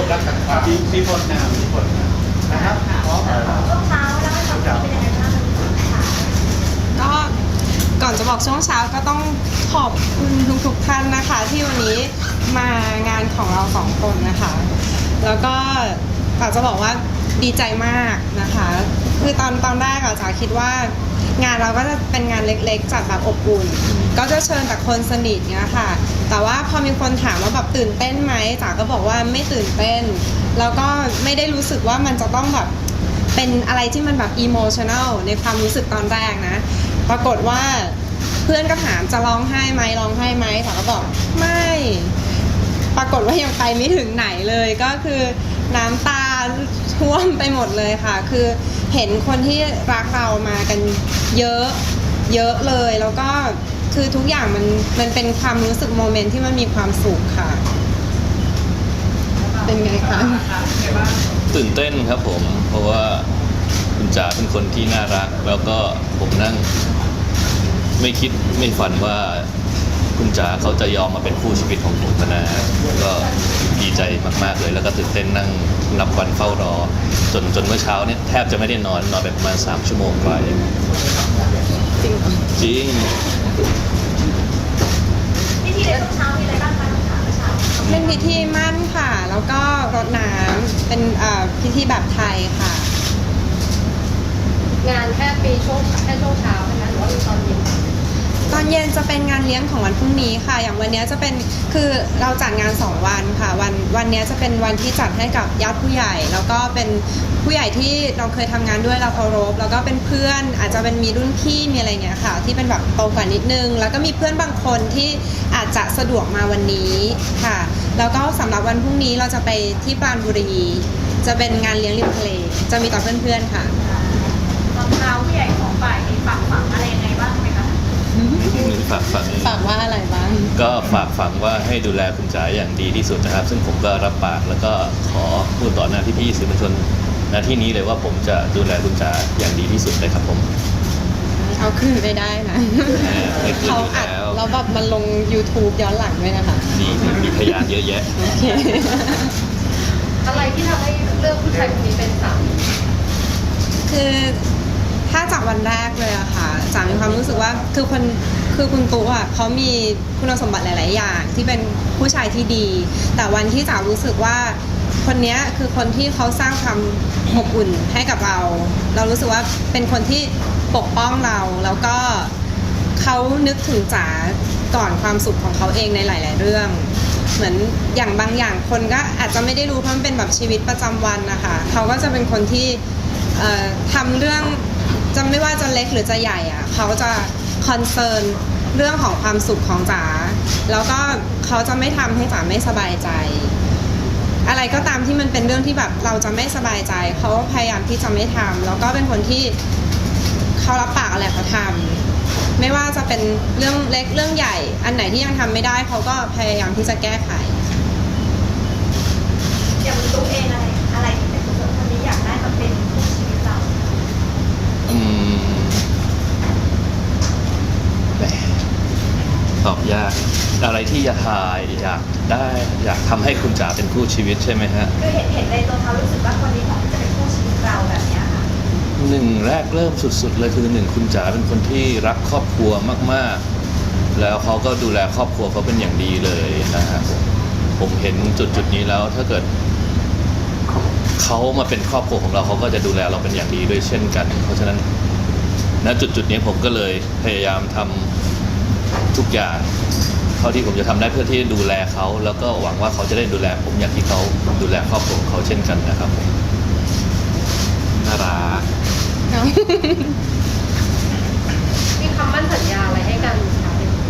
รักต่างๆมีผลนะนะครับพร้อมช่วงเช้าแล้วให้ความคิดเป็นยังไงบ้างคะก็ก่อนจะบอกช่วงเช้าก็ต้องขอบคุณทุกท่านนะคะที่วันนี้มางานของเราสองคนนะคะแล้วก็จ๋าจะบอกว่าดีใจมากนะคะคือตอนแรกจ๋าคิดว่างานเราก็จะเป็นงานเล็กๆจัดแบบอบอุ่นก็จะเชิญแต่คนสนิทเนี้ยค่ะแต่ว่าพอมีคนถามว่าแบบตื่นเต้นไหมจ๋าก็บอกว่าไม่ตื่นเต้นแล้วก็ไม่ได้รู้สึกว่ามันจะต้องแบบเป็นอะไรที่มันแบบอิโมชันแนลในความรู้สึกตอนแรกนะปรากฏว่าเพื่อนก็ถามจะร้องไห้ไหมร้องไห้ไหมจ๋าก็บอกไม่ปรากฏว่ายังไปไม่ถึงไหนเลยก็คือน้ำตาท่วมไปหมดเลยค่ะคือเห็นคนที่รักเรามากันเยอะเยอะเลยแล้วก็คือทุกอย่างมันเป็นความรู้สึกโมเมนต์ที่มันมีความสุขค่ะเป็นไงคะตื่นเต้นครับผมเพราะว่าคุณจ๋าเป็นคนที่น่ารักแล้วก็ผมนั่งไม่คิดไม่ฝันว่าคุณจ๋าเขาจะยอมมาเป็นคู่ชีวิตของผมนะก็ดีใจมากๆเลยแล้วก็ตื่นเต้นนั่งนับวันเฝ้ารอจนเมื่อเช้าเนี่ยแทบจะไม่ได้นอนไปประมาณ3 ชั่วโมงกว่าเองจริงจริงพิธีในช่วงเช้ามีอะไรบ้างคะน้องขาเมื่อเช้าเป็นพิธีมั่นค่ะแล้วก็รดน้ำเป็นพิธีแบบไทยค่ะงานแค่ช่วงเช้านะคะหรือว่ามีตอนเย็นตอนเย็นจะเป็นงานเลี้ยงของวันพรุ่งนี้ค่ะอย่างวันนี้จะเป็นคือเราจัดงาน2 วันค่ะวันนี้จะเป็นวันที่จัดให้กับญาติผู้ใหญ่แล้วก็เป็นผู้ใหญ่ที่เราเคยทำงานด้วยเราเคารพแล้วก็เป็นเพื่อนอาจจะเป็นมีรุ่นพี่มีอะไรเงี้ยค่ะที่เป็นแบบโตกว่านิดนึงแล้วก็มีเพื่อนบางคนที่อาจจะสะดวกมาวันนี้ค่ะแล้วก็สำหรับวันพรุ่งนี้เราจะไปที่ปราณบุรีจะเป็นงานเลี้ยงริมทะเลจะมีต่อเพื่อนๆค่ะตอนเช้าผู้ใหญ่ของฝ่ายมีฝากฝังอะไรยังไงบ้างไหมคะฝากฝังฝากว่าอะไรบ้างก็ฝากฝังว่าให้ดูแลคุณจ๋าอย่างดีที่สุดนะครับ ซึ่งผมก็รับปากแล้วก็ขอพูดต่อหน้าพี่ๆสื่อมวลชนณที่นี้เลยว่าผมจะดูแลคุณจ๋าอย่างดีที่สุดเลยครับผมเอาคืนไม่ได้นะไม่คืนเขาอยู่อัดแล้วแล้วแบบมันลง YouTube ย้อนหลังด้วยนะคะมีพยานเยอะแยะโอเคอะไรที่ทำให้เลือกผู้ชายคนนี้เป็นสามีคือถ้าจากวันแรกเลยอะค่ะจ๋ามีความรู้สึกว่าคือคุณตุ๊อะเขามีคุณสมบัติหลาย ๆ อย่างที่เป็นผู้ชายที่ดี แต่วันที่จ๋ารู้สึกว่าคนเนี้ยคือคนที่เขาสร้างความอบอุ่นให้กับเรา เรารู้สึกว่าเป็นคนที่ปกป้องเราแล้วก็เขานึกถึงจ๋าก่อนความสุขของเขาเองในหลาย ๆ เรื่อง เหมือนอย่างบางอย่างคนก็อาจจะไม่ได้รู้เพราะมันเป็นแบบชีวิตประจำวันนะคะเขาก็จะเป็นคนที่ทำเรื่องจะไม่ว่าจะเล็กหรือจะใหญ่อะเขาจะคอนเซิร์นเรื่องของความสุขของจ๋าแล้วก็เขาจะไม่ทำให้จ๋าไม่สบายใจ อะไรก็ตามที่มันเป็นเรื่องที่แบบเราจะไม่สบายใจเขาพยายามที่จะไม่ทำแล้วก็เป็นคนที่เขารับปากอะไรเขาทำไม่ว่าจะเป็นเรื่องเล็กเรื่องใหญ่ อันไหนที่ยังทำไม่ได้เขาก็พยายามที่จะแก้ไขอย่างตัวเองอะไรที่เป็นคนคนนี้อยากได้มาเป็นคู่ชีวิตเราอืมแหมตอบยากอะไรที่อยากทายอยากได้อยากทำให้คุณจ๋าเป็นคู่ชีวิตใช่ไหมฮะคือเห็นในตัวเขารู้สึกว่าคนนี้เหมาะที่จะเป็นคู่ชีวิตเราแบบเนี้ยค่ะหนึ่งแรกเริ่มสุดๆเลยคือหนึ่งคุณจ๋าเป็นคนที่รักครอบครัวมากๆแล้วเขาก็ดูแลครอบครัวเขาเป็นอย่างดีเลยนะครับผมเห็นจุดนี้แล้วถ้าเกิดเขามาเป็นครอบครัวของเราเขาก็จะดูแลเราเป็นอย่างดีด้วยเช่นกัน เพราะฉะนั้นณจุดนี้ผมก็เลยพยายามทำทุกอย่างเท่าที่ผมจะทำได้เพื่อที่จะดูแลเขาแล้วก็หวังว่าเขาจะได้ดูแลผมอย่างที่เขาดูแลครอบครัวของเขาเช่นกันนะครับผมน่ารักมีคำมั่นสัญญาอะไรให้กันคะ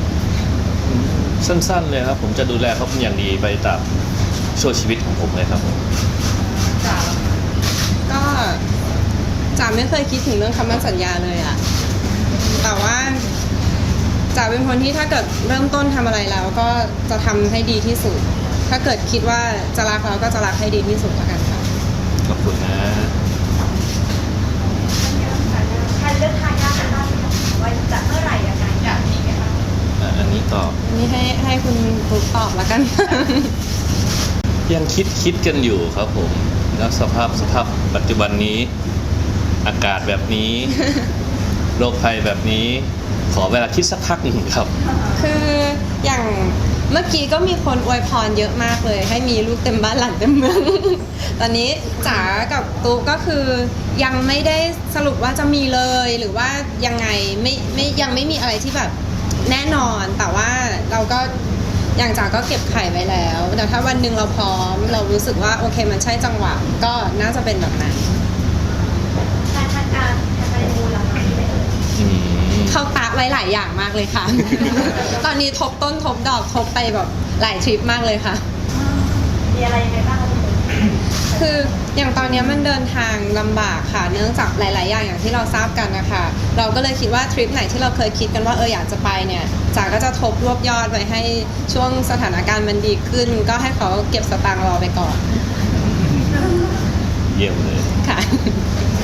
สั้นๆเลยครับผมจะดูแลเขาเป็นอย่างดีไปตามช่วงชีวิตของผมเลยครับผมจ๋าก็จ๋าไม่เคยคิดถึงเรื่องคำมั่นสัญญาเลยอะแต่ว่าจ๋าเป็นคนที่ถ้าเกิดเริ่มต้นทำอะไรแล้วก็จะทำให้ดีที่สุด ถ้าเกิดคิดว่าจะรักเราก็จะรักให้ดีที่สุดแล้วกันค่ะขอบคุณนะแทนเลือกทายาทกันบ้างไหมคะว่าจะเมื่อไหร่ยังไงอยากมีไหมคะอันนี้ตอบอันนี้ให้คุณตุ๊กตอบแล้วกันกยังคิดกันอยู่ครับผมแล้วสภาพปัจจุบันนี้ อากาศแบบนี้ โรคภัยแบบนี้ ขอเวลาคิดสักพักหนึ่งครับคืออย่างเมื่อกี้ก็มีคนอวยพรเยอะมากเลย ให้มีลูกเต็มบ้านหลานเต็มเมือง ตอนนี้จ๋ากับตุ๊กก็คือยังไม่ได้สรุปว่าจะมีเลยหรือว่ายังไงยังไม่มีอะไรที่แบบแน่นอน แต่ว่าเราก็อย่างจ๋าก็เก็บไข่ไว้แล้วแต่ถ้าวันหนึ่งเราพร้อมเรารู้สึกว่าโอเคมันใช่จังหวะก็น่าจะเป็นแบบนั้นทางการมูลละคะที่ไหนเอ่ยอืมเขาตะไว้หลายอย่างมากเลยค่ะ ตอนนี้ทบต้นทบดอกทบไปแบบหลายทริปมากเลยค่ะมีอะไรยังไงบ้างคะคุณตุ๊กคืออย่างตอนนี้มันเดินทางลำบากค่ะ เนื่องจากหลาย ๆ อย่างที่เราทราบกันนะคะเราก็เลยคิดว่าทริปไหนที่เราเคยคิดกันว่าอยากจะไปเนี่ยจ๋าก็จะทบรวบยอดไว้ให้ช่วงสถานการณ์มันดีขึ้น ก็ให้เขาเก็บสตางค์รอไปก่อนเยี่ยมเลยค่ะ